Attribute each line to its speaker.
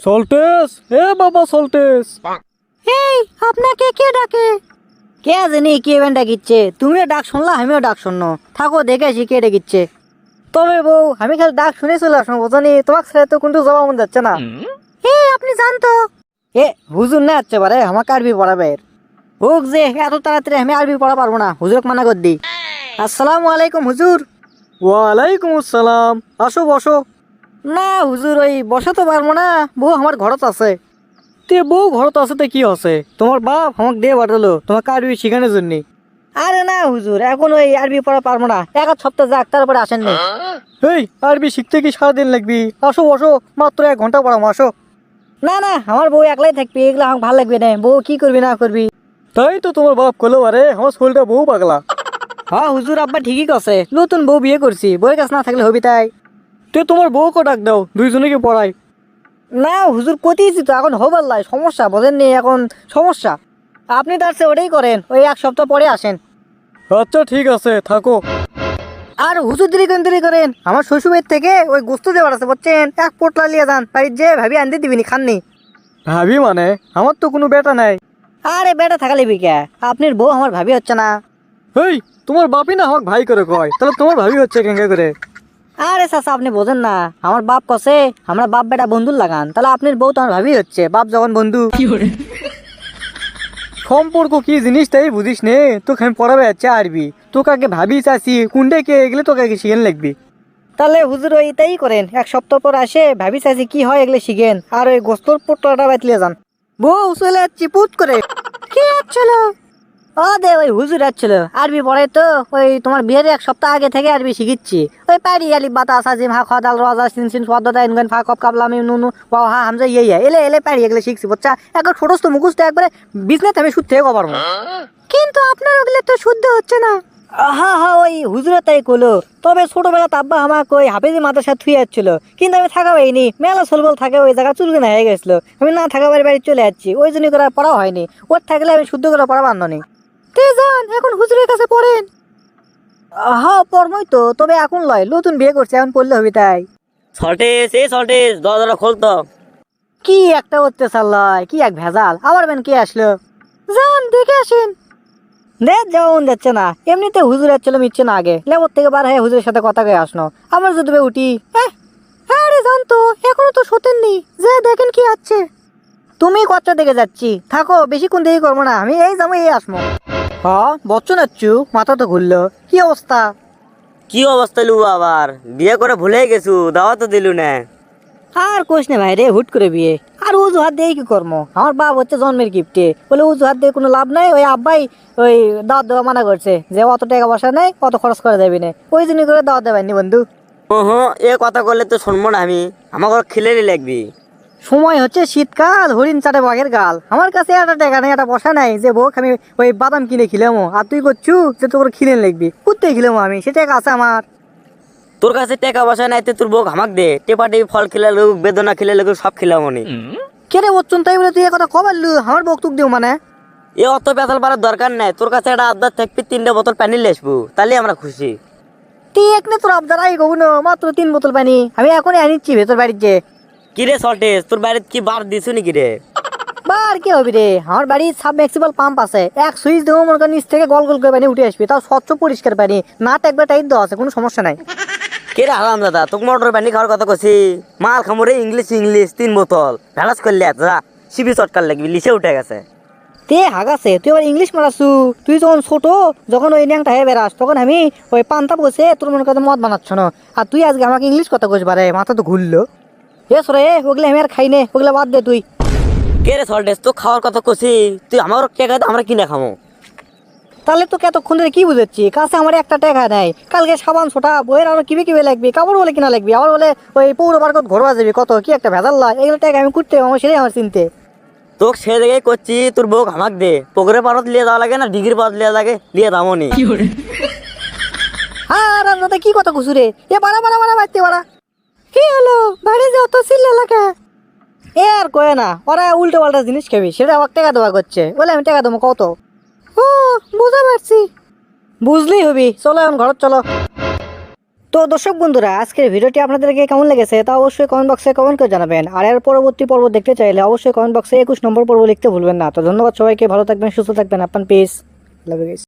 Speaker 1: সল্টেস, এ বাবা সল্টেস।
Speaker 2: এই আপনাকে কে ডাকে? কে জানি কে বেন ডাকিচ্ছে? তুমিও ডাক শুনলা, আমিও ডাক শুনলো। থাকো দেখে আসি কে ডাকিচ্ছে। তবে বউ, আমি খালি ডাক শুনে চলে আসবো, বোঝানি তোমার ছেলে তো কিন্তু যাওয়া মন যাচ্ছে না। আপনি জানতো এ হুজুর না হচ্ছে পারে আমাকে আরবি পড়াবে। হোক যে এত তাড়াতাড়ি আমি আরবি পড়া পারবো না, হুজুরকে মানা করে দিই। আসসালামু আলাইকুম হুজুর।
Speaker 1: ওয়ালাইকুম আসসালাম, আসো বসো।
Speaker 2: না হুজুর, ওই বসে তো পারবো না, বউ আমার ঘরত আছে।
Speaker 1: তে বউ ঘরত আছে তে কি আছে? তোমার বাপ আমাকে দিয়ে পাঠালো তোমাকে আরবি শিখানোর জন্য।
Speaker 2: আরে না হুজুর, এখন ওই আরবি পড়া পারবো না, এক আধ সপ্তাহ যাক তারপরে আসেননি।
Speaker 1: এই আরবি শিখতে কি সারাদিন লাগবি? আসো বসো, মাত্র 1 ঘন্টা পড়াবো, আসো।
Speaker 2: না না, আমার বউ একলাই থাকবি, এগুলো আমার ভালো লাগবে না। বউ কি করবি না করবি।
Speaker 1: তাই তো তোমার বাপ কলো, আরে আমার শরীরটা বহু পাগলা।
Speaker 2: হ্যাঁ হুজুর, আব্বা ঠিকই কছে, নতুন বউ বিয়ে করছি, বউয়ের কাছে না থাকলে হবি তাই।
Speaker 1: তে তোমার বউকে ডাক দাও, দুইজনকে পড়াই।
Speaker 2: না হুজুর, কতিয়েছি তো, এখন হবার লাই সমস্যা, বোঝেননি এখন সমস্যা। আপনি তার চেয়ে ওটাই করেন, ওই এক সপ্তাহ পরে আসেন।
Speaker 1: আচ্ছা ঠিক আছে, থাকো।
Speaker 2: আর হুজুর দেরি করেন, আমার শ্বশুরের থেকে ওই গোস্ত দেওয়ার আছে বুঝছেন, এক পোটলা লিয়ে যান, বাড়ির যে ভাবি আনতে দিবিনি, খাননি।
Speaker 1: ভাবি মানে? আমার তো কোনো বেটা নাই।
Speaker 2: আরে বেটা থাকালে বিকা, আপনার বউ আমার ভাবি হচ্ছে না।
Speaker 1: এই তোমার বাপই না আমাকে ভাই করে কয়, তাহলে তোমার ভাবি হচ্ছে কেঙ্কা করে?
Speaker 2: আরে চাচা আপনি বোঝেন না, আমার বাপ কছে আমরা বাপ বেটা বন্ধুর লাগান, তাহলে আপনার বউ তো আমার ভাবি হচ্ছে, বাপ যখন বন্ধু।
Speaker 1: সম্পর্ক কি জিনিস তাই বুঝিস নে, তোকে আমি পড়াবে যাচ্ছে আরবি, তোকে আগে ভাবি চাষি কুন্ডে কে এগুলো তোকে আগে শিখেন লাগবি।
Speaker 2: তাহলে হুজুর ওইটাই করেন, এক সপ্তাহ পর আসে ভাবি চাইছি কি হয় এগুলো শিখেন, আর ওই গোস্তর পোটলাটা বাতলিয়ে যান। বউ চলে যাচ্ছি পুত করে। কি আসছিল? ও দে ওই হুজুর আসছিল, আরবি পড়ে তো, ওই তোমার বিয়ের এক সপ্তাহ আগে থেকে আরবি শিখিচ্ছি। ওই পারি আলি বাতা সাজিম হা খাদাল রাজা সিনসিন পদ্মতা ইনগান ফা কপ কাবলামি নুনু ওয়া হা হামজা ইয়ে এলে এলে পারি এগুলো শিখছি বুঝছা, একবার ছোটস্থ মুখস্থ একবারে বিজনেস আমি শুদ্ধ থেকে পারবো। কিন্তু আপনার ওগুলো তো শুদ্ধ হচ্ছে না। হ্যাঁ হ্যাঁ, ওই হুজুরের তাই কলো। তবে ছোটবেলা আব্বা আমাকে ওই হাফেজি মাদ্রাসা থুয়ে যাচ্ছিল, কিন্তু আমি থাকা পাইনি, মেলা সলবল থাকে ওই জায়গা চুলকানা হয়ে গেছিল, আমি না থাকা বাড়ি চলে যাচ্ছি, ওই জন্য করে পড়া হয়নি। ওর থাকলে আমি শুদ্ধ করে পড়া বান্ধনি। তে যান এখন হুজুরের কাছে পড়েন। হ্যাঁ পড়মই তো, তবে এখন লয়, নতুন বিয়ে করছে, এখন পড়লে হবে তাই।
Speaker 3: সল্টেস দরজাটা খোলতো।
Speaker 2: কি একটা অত্যাচার লয়, কি এক ভেজাল, আবার বেন কে আসলো? যান দেখে আসেন। দেখ যেমন যাচ্ছে না, এমনিতে হুজুর আসছিল মিটছে না, আগে লেবর থেকে বার হয়ে হুজুরের সাথে কথা কয়ে আসনো, আমার যদি উঠি। আরে জানতো এখনো তো শোতেননি, যে দেখেন কি আছে। তুমি কচ্চা দেখে যাচ্ছি, থাকো বেশিক্ষণ দেরি করবো না, আমি এই যাবো এই আসবো। হ্যাঁ বচ্চন নাচ্ছু, মাথা তো ঘুরলো, কি অবস্থা?
Speaker 3: কি অবস্থা লু আবার? বিয়ে করে ভুলে গেছু, দাওয়া তো দিলু না।
Speaker 2: আর কোশ না ভাই রে, হুট করে বিয়ে, আর উজুহাত দিয়ে কি করবো? আমার বাপ হচ্ছে জন্মের গিফটে, বলে উজুহাত দিয়ে কোনো লাভ নাই, ওই আব্বাই ওই দাওয়াত দেওয়া মানা করছে, যে অত টাকা পয়সা নেই, অত খরচ করা যাবে না, ওই জন্য করে দাওয়াত দেবেননি বন্ধু।
Speaker 3: ওহো, এ কথা করলে তো শুনবো না আমি, আমাকে খিলেরই লাগবি।
Speaker 2: সময় হচ্ছে শীতকাল, হরিণ চাটে বাঘের গাল, আমার কাছে একটা টাকা নেই, একটা পয়সা নাই যে বউক আমি ওই বাদাম কিনে খিলামো, আর তুই করছু যে তোর খিলেন লাগবি, কুত্তে খিলামো আমি, সে টাকা আছে আমার।
Speaker 3: তোর কাছে টাকা পয়সা নাই, তোর বউ হামাক দে, টেপা টেপি ফল খেলে লোক, বেদনা খেলে লোক, সব খেলাম নি।
Speaker 2: কে রে বচ্চন, তাই বলে তুই এ কথা কবার লু, আমার বক্তব্য দিও মানে?
Speaker 3: এ অত পেতাল পারার দরকার নাই, তোর কাছে একটা আবদার থাকবি, 3টে বোতল পানি নিয়ে আসবো, তাহলে আমরা খুশি।
Speaker 2: তুই একনে তোর আবদার আই কবু না, মাত্র 3 বোতল পানি আমি এখনই আনিচ্ছি ভেতর বাড়ির যে।
Speaker 3: কিরে সল্টেস, তোর বাড়িতে কি বার দিছু নাকি রে?
Speaker 2: বার কি হবি রে, আমার বাড়ির সাবমেক্সিবল পাম্প আছে, এক সুইচ দেবো মনে কর নিচ থেকে গল গল করে পানি উঠে আসবে, তাও স্বচ্ছ পরিষ্কার পানি, না একবার টাইট দেওয়া আছে, কোনো সমস্যা নাই।
Speaker 3: কে রে হারাম দাদা, তোকে মোটর পানি খাওয়ার কথা কছি, মাল খামরে ইংলিশ ইংলিশ 3 বোতল ভেলাস করলে যা, শিবি চটকার লাগবি, লিসে উঠে গেছে।
Speaker 2: তে হাগাছে, তুই আবার ইংলিশ মারাছু? তুই যখন ছোট, যখন ওই ন্যাংটা হয়ে বেড়াস, তখন আমি ওই পান্তা বসে তোর মনে কথা মদ বানাচ্ছ না, আর তুই আজকে আমাকে ইংলিশ কথা কইস বারে, মাথা তো ঘুরলো। এ সরে ওগুলো আমি আর খাই নে, ওগুলো বাদ দে তুই।
Speaker 3: কে রে সল্টেস, তো খাওয়ার কথা কছি, তুই আমার টাকা দে, আমরা কিনে খামো।
Speaker 2: তাহলে তোকে এতক্ষণ ধরে কি বুঝাচ্ছি, কাছে আমার একটা টাকা নাই, কালকে সাবান ছোটা বইয়ের আরো কিবে লাগবে, কাপড় বলে কিনা লাগবে, আবার বলে ওই পৌর পার্কত ঘরবা যাবি, কত কি একটা ভেজাল লা, এগুলো টাকা আমি করতে আমার সেটাই আমার চিনতে।
Speaker 3: তোকে সে জায়গায় করছি, তোর বউ হামাক দে, পুকুরে পারত লিয়ে যাওয়া লাগে না, ডিগির পারত লিয়ে লাগে, লিয়ে দামো নি।
Speaker 2: আর দাদা কি কথা কুসুরে, এ বাড়া বাড়া বাড়া বাড়তে বাড়া। কি হলো বাড়ি যে অত চিল্লা লাগে? এ আর কয়ে না, ওরা উল্টো পাল্টা জিনিস খাবি, সেটা আমার টাকা দেওয়া করছে, বলে আমি টাকা দেবো কত। ও বুঝতে পারছি, বুঝলেই হবি, চলো এখন ঘর চলো। তো দর্শক বন্ধুরা, আজকের ভিডিওটি আপনাদেরকে কেমন লেগেছে তা অবশ্যই কমেন্ট বক্সে কমেন্ট করে জানাবেন। আর এর পরবর্তী পর্ব দেখতে চাইলে অবশ্যই কমেন্ট বক্সে 21 নম্বর পর্ব লিখতে ভুলবেন না। তো ধন্যবাদ সবাইকে, ভালো থাকবেন, সুস্থ থাকবেন, আপনার পিস, লাভ ইউ গাইস।